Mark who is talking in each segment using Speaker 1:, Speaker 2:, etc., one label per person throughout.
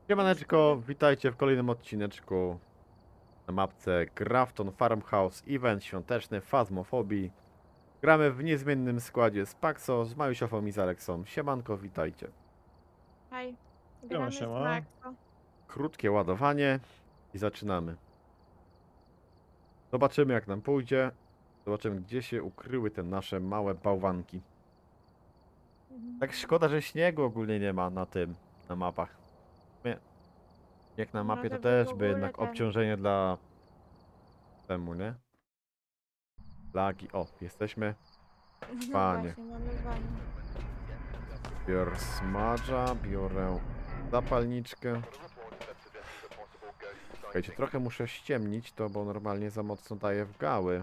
Speaker 1: Siemaneczko, witajcie w kolejnym odcineczku na mapce Grafton Farmhouse Event świąteczny Phasmophobia. Gramy w niezmiennym składzie z Paxo, z Majusiofą i z Aleksą. Siemanko, witajcie.
Speaker 2: Hej, gramy z
Speaker 3: siema.
Speaker 2: Maxo.
Speaker 1: Krótkie ładowanie i zaczynamy. Zobaczymy jak nam pójdzie. Zobaczymy gdzie się ukryły te nasze małe bałwanki. Tak szkoda, że śniegu ogólnie nie ma na mapach. Jak na mapie to
Speaker 2: Może by
Speaker 1: też
Speaker 2: w
Speaker 1: by
Speaker 2: ogóle
Speaker 1: jednak
Speaker 2: ten-
Speaker 1: obciążenie dla temu, nie? Lagi. O, jesteśmy.
Speaker 2: No
Speaker 1: Panie.
Speaker 2: właśnie, mamy wanię.
Speaker 1: Biorę smadża, biorę zapalniczkę. Słuchajcie, trochę muszę ściemnić to, bo normalnie za mocno daję w gały.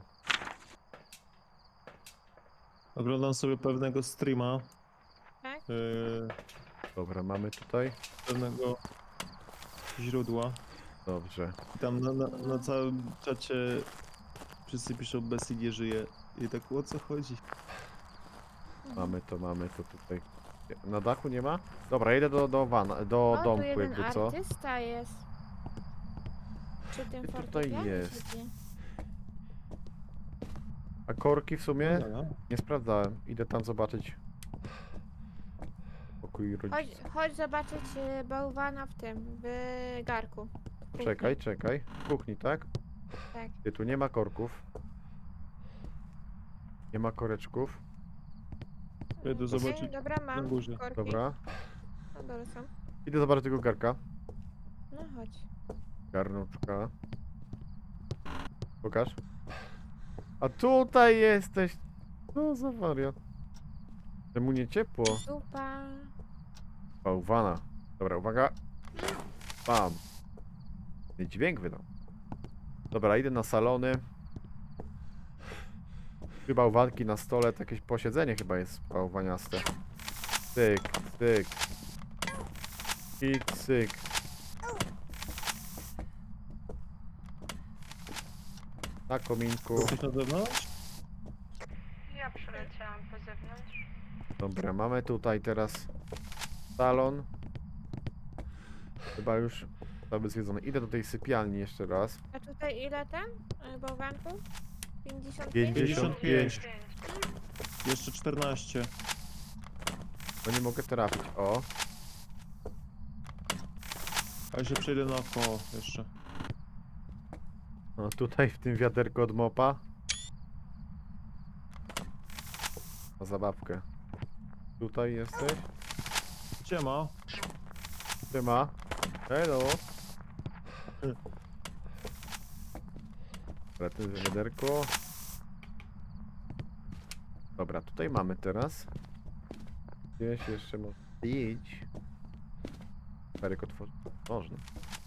Speaker 3: Oglądam sobie pewnego streama.
Speaker 2: Tak?
Speaker 1: Dobra, mamy tutaj.
Speaker 3: Pewnego źródła.
Speaker 1: Dobrze.
Speaker 3: I tam na całym czacie wszyscy piszą Bessie nie żyje. I tak o co chodzi?
Speaker 1: Mamy to tutaj. Na dachu nie ma? Dobra, idę do
Speaker 2: O, tu
Speaker 1: domku
Speaker 2: jeden
Speaker 1: jakby co.
Speaker 2: artysta jest. Przy tym
Speaker 1: Ty tutaj
Speaker 2: fortepianie
Speaker 1: jest.
Speaker 2: siedzi.
Speaker 1: A korki w sumie?
Speaker 3: No,
Speaker 1: Nie sprawdzałem. Idę tam zobaczyć. Pokój rodziców.
Speaker 2: Chodź zobaczyć bałwana w tym, w garku. W kuchni.
Speaker 1: Czekaj. W kuchni, tak?
Speaker 2: Tak.
Speaker 1: Ty, tu nie ma korków. Nie ma koreczków.
Speaker 3: Jedę
Speaker 2: Okej,
Speaker 3: zobaczyć
Speaker 2: dobra,
Speaker 3: na
Speaker 2: mam
Speaker 3: górze.
Speaker 2: korki.
Speaker 1: Dobra.
Speaker 2: No dobra, są.
Speaker 1: Idę zobaczyć tego garka.
Speaker 2: No chodź.
Speaker 1: Garnuczka. Pokaż. A tutaj jesteś. No za wariat. Czemu nie ciepło?
Speaker 2: Zupa.
Speaker 1: Bałwana. Dobra, uwaga. Bam. I dźwięk wydał. Dobra, idę na salony. Trzy bałwanki na stole, to jakieś posiedzenie chyba jest bałwaniaste. Cyk, cyk. I cyk. Na kominku.
Speaker 3: Jesteś na zewnątrz?
Speaker 4: Ja przeleciałam po zewnątrz.
Speaker 1: Dobra, mamy tutaj teraz salon. Chyba już cały zwiedzony. Idę do tej sypialni jeszcze raz.
Speaker 2: A tutaj ile ten bałwanków? 55?
Speaker 1: 55.
Speaker 3: Jeszcze 14.
Speaker 1: No nie mogę trafić. O,
Speaker 3: A ja się przejdę naokoło jeszcze.
Speaker 1: no tutaj w tym wiaderku od mopa. Na zabawkę. Tutaj jesteś?
Speaker 3: Gdzie ma?
Speaker 1: Siema. Hello. Dobra, to jest wiaderko. Dobra, tutaj mamy teraz. Gdzieś jeszcze można iść. Wiaderek otworzy. Można.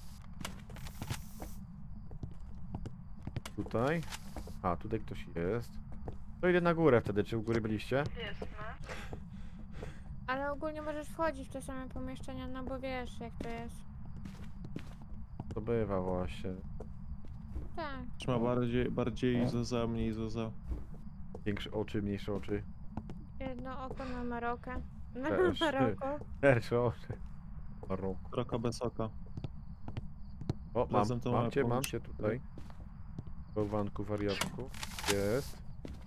Speaker 1: Tutaj. A, tutaj ktoś jest. To idę na górę wtedy. Czy u góry byliście?
Speaker 4: Jest, no.
Speaker 2: Ale ogólnie możesz wchodzić w te same pomieszczenia, no bo wiesz jak to jest.
Speaker 1: To bywa właśnie.
Speaker 2: Tak.
Speaker 3: Trzyma bardziej Zoza, mniej Zoza.
Speaker 1: Większe oczy, mniejsze oczy.
Speaker 2: Jedno oko na Marokę. Na
Speaker 1: Też.
Speaker 2: Maroko.
Speaker 1: Szersze oczy. Maroko.
Speaker 3: Trochę bez oka.
Speaker 1: O,
Speaker 3: Razem to mamy
Speaker 1: mam
Speaker 3: pomóc.
Speaker 1: cię tutaj. Bałwanku, wariatku. Jest.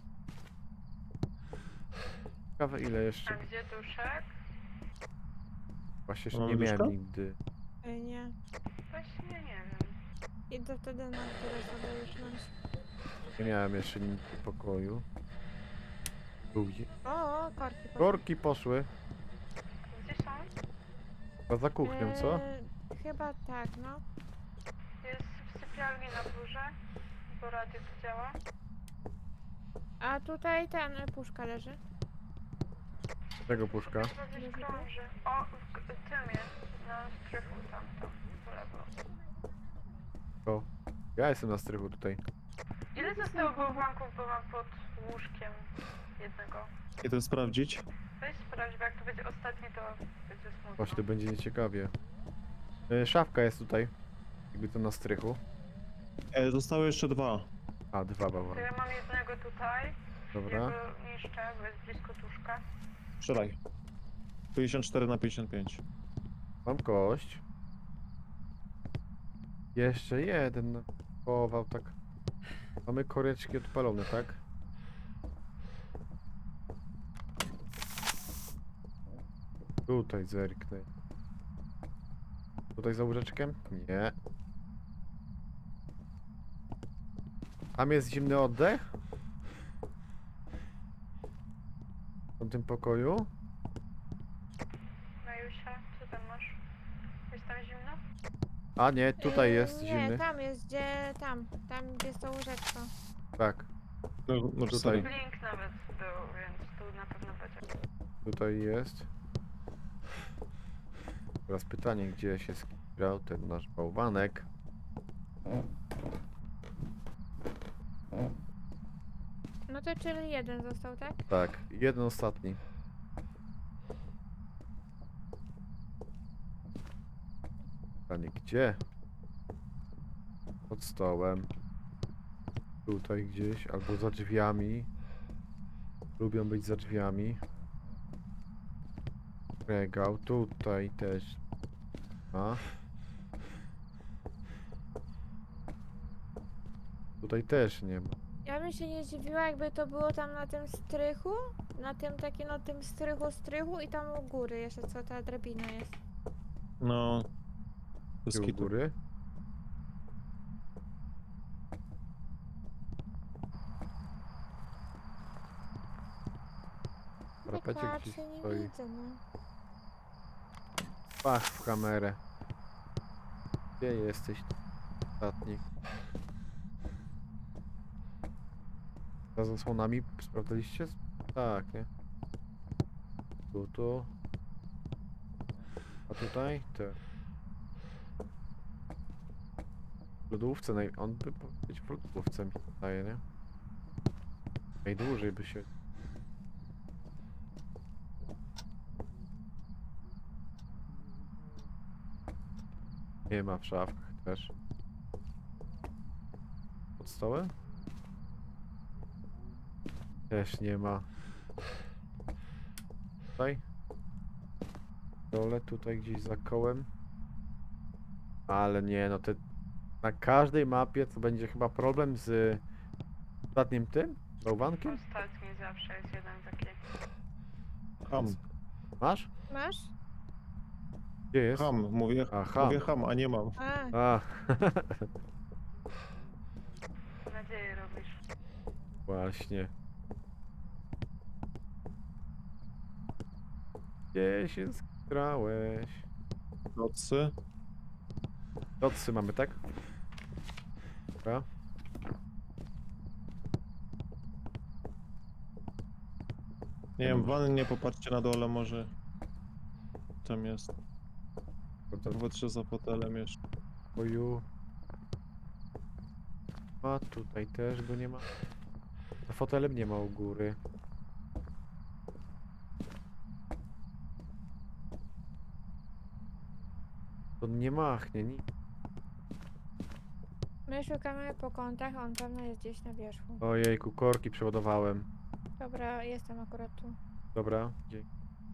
Speaker 1: Ciekawe ile
Speaker 4: A
Speaker 1: jeszcze.
Speaker 4: gdzie duszek?
Speaker 1: Właśnie jeszcze
Speaker 3: Mamy
Speaker 1: nie miałem
Speaker 3: duszka?
Speaker 1: nigdy.
Speaker 2: Nie.
Speaker 4: Właśnie nie wiem.
Speaker 2: Idę wtedy na które sobie już nas.
Speaker 1: Nie miałem jeszcze nigdy pokoju. Tu gdzie?
Speaker 2: O, korki. poszły.
Speaker 1: Korki poszły.
Speaker 4: Gdzie są?
Speaker 1: Chyba za kuchnią, co?
Speaker 2: Chyba tak, no.
Speaker 4: Jest w sypialni na górze, bo radio tu działa.
Speaker 2: A tutaj ten puszka leży.
Speaker 1: Tego puszka.
Speaker 4: Chyba gdzieś krąży. O, w tym jest, na strychu tamto, po lewo.
Speaker 1: O. Ja jestem na strychu tutaj.
Speaker 4: Ile zostało bałwanków, bo mam pod łóżkiem jednego.
Speaker 3: I to sprawdzić?
Speaker 4: Weź sprawdź, bo jak to będzie ostatni, to będzie smutno.
Speaker 1: Właśnie to będzie nieciekawie. Szafka jest tutaj. Jakby to na strychu.
Speaker 3: Zostały jeszcze 2.
Speaker 1: A, dwa
Speaker 4: To
Speaker 1: bałwany.
Speaker 4: ja mam jednego tutaj. Ja
Speaker 1: Dobra.
Speaker 4: go niszczę, bo jest blisko tuszka.
Speaker 3: Strzelaj. 54 na 55.
Speaker 1: Mam kość. Jeszcze jeden połował tak. Mamy koreczki odpalone, tak? Tutaj zerknę. Tutaj za łóżeczkiem? Nie. Tam jest zimny oddech? W tamtym pokoju?
Speaker 4: Majusia, co tam masz? Jest tam zimno?
Speaker 1: A nie, tutaj jest
Speaker 2: Nie,
Speaker 1: zimny.
Speaker 2: tam jest, gdzie... Tam, gdzie jest to łóżeczko.
Speaker 1: Tak,
Speaker 3: No, może
Speaker 1: Tutaj.
Speaker 3: sobie.
Speaker 4: Blink nawet był, więc tu na pewno będzie.
Speaker 1: tutaj jest. Teraz pytanie, gdzie się skierał ten nasz bałwanek?
Speaker 2: No to czyli jeden został, tak?
Speaker 1: Tak, jeden ostatni. Pytanie, gdzie? Pod stołem. Tutaj gdzieś, albo za drzwiami. Lubią być za drzwiami. Regał, tutaj też. A. Tutaj też nie ma.
Speaker 2: Ja bym się nie dziwiła, jakby to było tam na tym strychu, na tym takim, no tym strychu i tam u góry jeszcze co ta drabina jest.
Speaker 3: No. Bez
Speaker 1: Gdzie u
Speaker 3: kitu.
Speaker 1: góry.
Speaker 2: Tak
Speaker 1: Parapecie gdzieś
Speaker 2: patrzę, nie
Speaker 1: stoi.
Speaker 2: widzę, no.
Speaker 1: Pach w kamerę. Gdzie jesteś? Ostatni. Za zasłonami sprawdzaliście? Tak, nie? Tu. A tutaj? Te. W lodówce, on by powinien być w lodówce, mi się wydaje, nie? Najdłużej by się... Nie ma w szafkach też. Pod stołem? Też nie ma. Tutaj? Dole, tutaj gdzieś za kołem. Ale nie, no te... Na każdej mapie to będzie chyba problem z... Ostatnim tym? Bałwankiem?
Speaker 4: Ostatni zawsze jest jeden taki.
Speaker 3: Ham.
Speaker 1: Masz?
Speaker 2: Masz?
Speaker 1: Gdzie jest?
Speaker 3: Ham. Mówię,
Speaker 1: A, ham.
Speaker 3: mówię ham, a nie mam.
Speaker 2: A,
Speaker 1: A,
Speaker 4: Nadzieję robisz.
Speaker 1: właśnie. Gdzie się skrałeś?
Speaker 3: Nocy.
Speaker 1: Dotsy mamy, tak? Dobra.
Speaker 3: Nie wiem, wannie popatrzcie na dole może. Tam jest.
Speaker 1: To
Speaker 3: Popatrzę za fotelem jeszcze.
Speaker 1: pokoju. A tutaj też go nie ma. Za fotelem nie ma u góry. To nie machnie, nic.
Speaker 2: my szukamy po kątach, on pewno jest gdzieś na wierzchu.
Speaker 1: Ojejku, korki przeładowałem.
Speaker 2: Dobra, jestem akurat tu.
Speaker 1: Dobra, dzięki.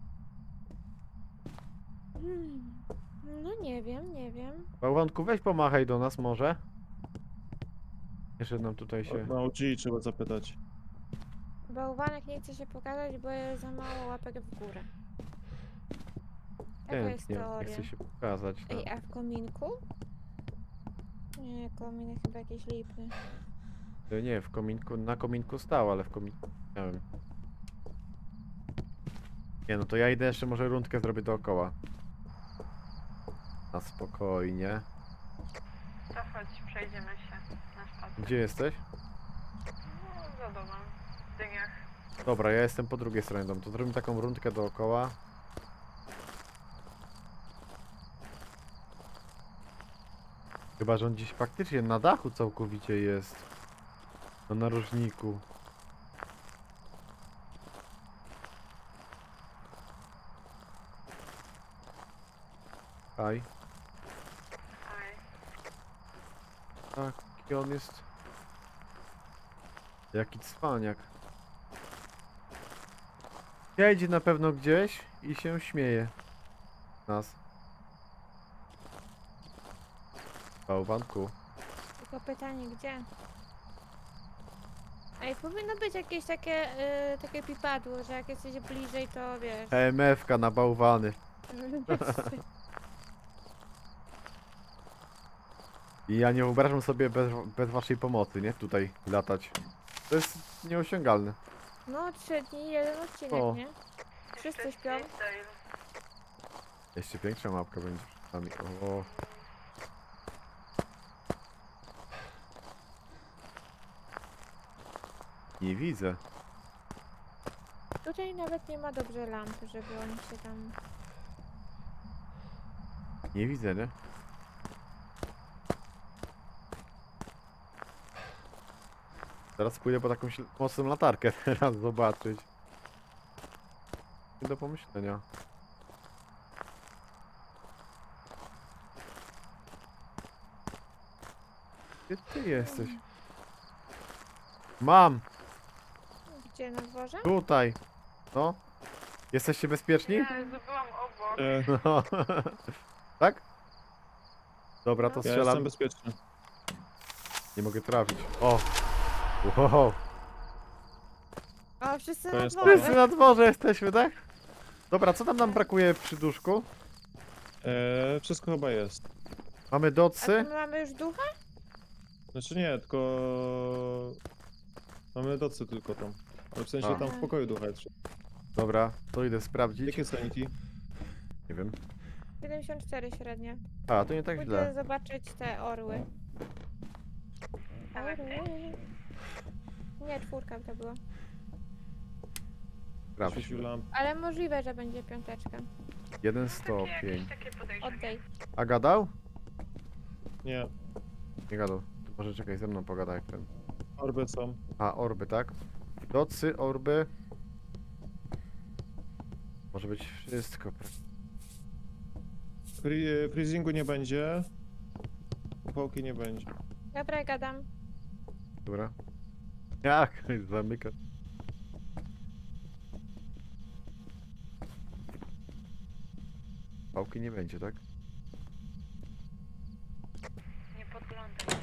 Speaker 2: No nie wiem.
Speaker 1: Bałwanku, weź pomachaj do nas może. Jeszcze nam tutaj się...
Speaker 3: Na OG trzeba zapytać.
Speaker 2: Bałwanek nie chce się pokazać, bo jest za mało łapek w górę. Jaka jest
Speaker 1: Chętnie, nie
Speaker 2: teoria?
Speaker 1: chce się pokazać. No.
Speaker 2: Ej, a w kominku? Nie, kominek chyba jakiś lipny.
Speaker 1: Nie, w kominku, na kominku stał, ale w kominku nie wiem. Nie no, to ja idę jeszcze może rundkę zrobię dookoła. Na spokojnie.
Speaker 4: To chodź, przejdziemy się na spacer.
Speaker 1: Gdzie jesteś?
Speaker 4: No, za domem. W dyniach.
Speaker 1: Dobra, ja jestem po drugiej stronie domu, to zrobimy taką rundkę dookoła. Chyba, że on gdzieś faktycznie na dachu całkowicie jest. Na narożniku. Aj,
Speaker 4: Aj.
Speaker 1: taki on jest. Jaki cwaniak. Jedzie na pewno gdzieś i się śmieje. Nas. Bałwanku.
Speaker 2: Tylko pytanie, gdzie? Ej, powinno być jakieś takie, takie pipadło, że jak jesteś bliżej, to wiesz.
Speaker 1: EMF-ka na bałwany. I ja nie wyobrażam sobie bez waszej pomocy, nie? Tutaj latać. To jest nieosiągalne.
Speaker 2: No, 3 dni, jeden odcinek,
Speaker 1: O.
Speaker 2: nie? Wszyscy
Speaker 4: Jeszcze
Speaker 2: śpią.
Speaker 4: freestyle.
Speaker 1: Jeszcze większa mapka będzie przed nami. O. Nie widzę.
Speaker 2: Tutaj nawet nie ma dobrze lamp, żeby oni się tam...
Speaker 1: Nie widzę, nie? Teraz pójdę po taką mocną latarkę teraz zobaczyć. Nie do pomyślenia. Gdzie ty jesteś? Mam!
Speaker 2: Gdzie, na dworze?
Speaker 1: Tutaj! No? Jesteście bezpieczni?
Speaker 4: Jezu, byłam obok.
Speaker 1: No. Tak? Dobra, to
Speaker 2: No.
Speaker 3: Ja
Speaker 1: strzelam.
Speaker 3: jestem bezpieczny.
Speaker 1: Nie mogę trafić. O! Wow!
Speaker 2: O, wszyscy
Speaker 3: To
Speaker 2: na
Speaker 3: jest
Speaker 2: dworze.
Speaker 1: Wszyscy na dworze jesteśmy, tak? Dobra, co tam nam brakuje przy duszku?
Speaker 3: Wszystko chyba jest.
Speaker 1: Mamy
Speaker 2: A to
Speaker 1: docy.
Speaker 2: my mamy już ducha?
Speaker 3: Znaczy nie, tylko... Mamy docy tylko tam. Ale w sensie
Speaker 1: A.
Speaker 3: tam w pokoju ducha jest.
Speaker 1: Dobra, to idę sprawdzić.
Speaker 3: Jakie sanity?
Speaker 1: Nie wiem.
Speaker 2: 74 średnie.
Speaker 1: A, to nie tak
Speaker 2: Pójdę
Speaker 1: źle.
Speaker 2: zobaczyć te orły. Orły. Nie, 4 to było.
Speaker 1: Sprawdź.
Speaker 3: Świecił lamp.
Speaker 2: Ale możliwe, że będzie 5.
Speaker 1: Jeden
Speaker 4: Jakieś
Speaker 1: stopień.
Speaker 4: takie podejrzenie.
Speaker 2: Oddaj.
Speaker 1: A gadał?
Speaker 3: Nie,
Speaker 1: Nie gadał. To może czekaj, ze mną pogadaj jak ten.
Speaker 3: orby są.
Speaker 1: A, orby, tak? Docy, orby. Może być wszystko.
Speaker 3: Freezingu nie będzie. Upałki nie będzie.
Speaker 2: Dobra, gadam.
Speaker 1: Dobra. Jak? Zamyka. Pałki nie będzie, tak?
Speaker 4: Nie podglądaj.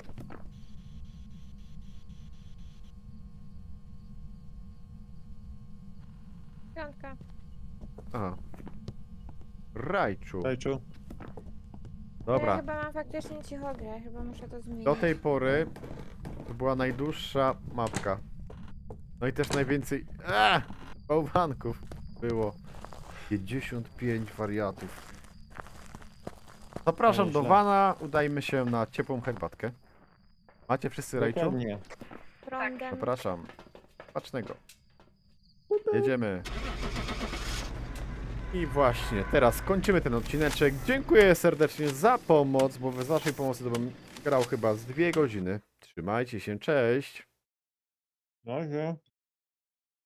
Speaker 2: 5.
Speaker 1: Aha. Rajczu.
Speaker 3: Rajczu.
Speaker 2: Ja
Speaker 1: Dobra.
Speaker 2: chyba mam faktycznie cichogrę, chyba muszę to zmienić.
Speaker 1: Do tej pory to była najdłuższa mapka. No i też najwięcej bałwanków było. 55 wariatów. Zapraszam do
Speaker 3: Nieźle.
Speaker 1: wana, udajmy się na ciepłą herbatkę. Macie wszyscy rajczu?
Speaker 3: Dokładnie.
Speaker 2: Prądem.
Speaker 1: Zapraszam. Pacznego. Jedziemy. I właśnie, teraz kończymy ten odcineczek. Dziękuję serdecznie za pomoc, bo bez waszej pomocy to bym grał chyba z 2 godziny. Trzymajcie się, cześć.
Speaker 3: No,